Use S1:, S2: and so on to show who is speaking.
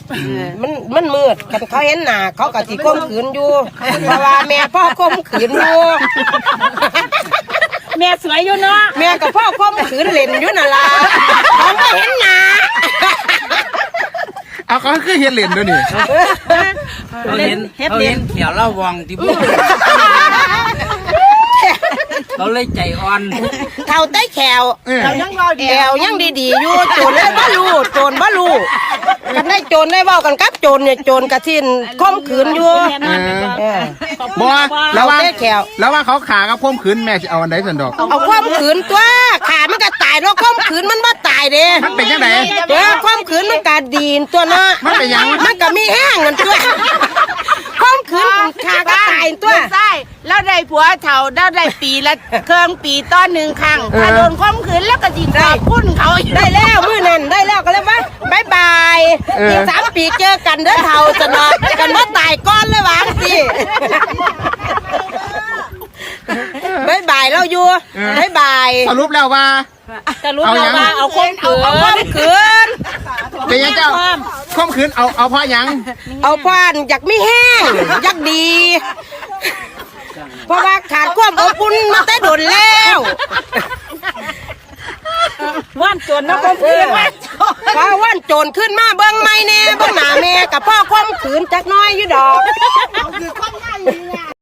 S1: มันมืดกันเขาเห็นหน้าเขาก็สิข่มขืนอยู่เพราะว่าแม่พ่อข่มขืนอยู่
S2: แม่สวยอยู่เนาะ
S1: แม่กับพ่อข่มขืนเล่นอยู่นั่นล่ะเขาไม่เห็นหน้า
S3: เอาเขาคือเห็นเหรียญด้วยนี่
S4: เขาเห็นเขียวเล่าวองที่พูดเขาเลยใจอ่อน
S1: เท่าใต้แขวแขวยังดีๆอยู่โจรเลยบ่รู้โจรบ่รู้กันได้โจรได้เว้ากันกับโจรเนี่ยโจรกระทินข่มขืนอยู่
S3: บ่แล้วว่าเขาขากับข่มขืนแม่จะเอาอันใดสันดอก
S1: เอาข่มขืนตัวขามันก็ตายแล้วข่มขืนมันบ่ตายเด้
S3: มันเป็นยังไง
S1: ข่มขืนมันก็ดีนตัวเนาะ
S3: มันเป็นยัง
S1: มันก็มีแห้งกันตัวข่มขืนขาก็ตายตัว
S2: ใช่แล้วได้ผัวเฒ่าแล้วได้ปีละเครื่องปีต้นหนึ่งครั้งถ้าโดนข่มขืนแล้วก็จิงขอบคุณเขา
S1: ได้แล้วมื้อนั้นได้แล้วก็เลยว่าบายบายอีก3 ปีเจอกันเด้อเฒ่าจะนอนกันว่าตายก้อนเลยวางสิบายบายเราอยู่บายบาย
S3: สรุปแล้วว่า
S1: เอาข่มขืน
S3: เป็นยังเจ้าข่มขืนเอาพ่อยัง
S1: เอาพ่ออยากไม่แห้งอยากดีเพราะว่าขาดความอบอุ่นมาแต่โดนแล้ว
S2: ว่านโจรนะข่มขืน
S1: พอว่านโจรขึ้นมาเบิ้งไม่แน่เบิ้งหน้าแม่กับพ่อข่มขืนจักน้อยอยู่ดอก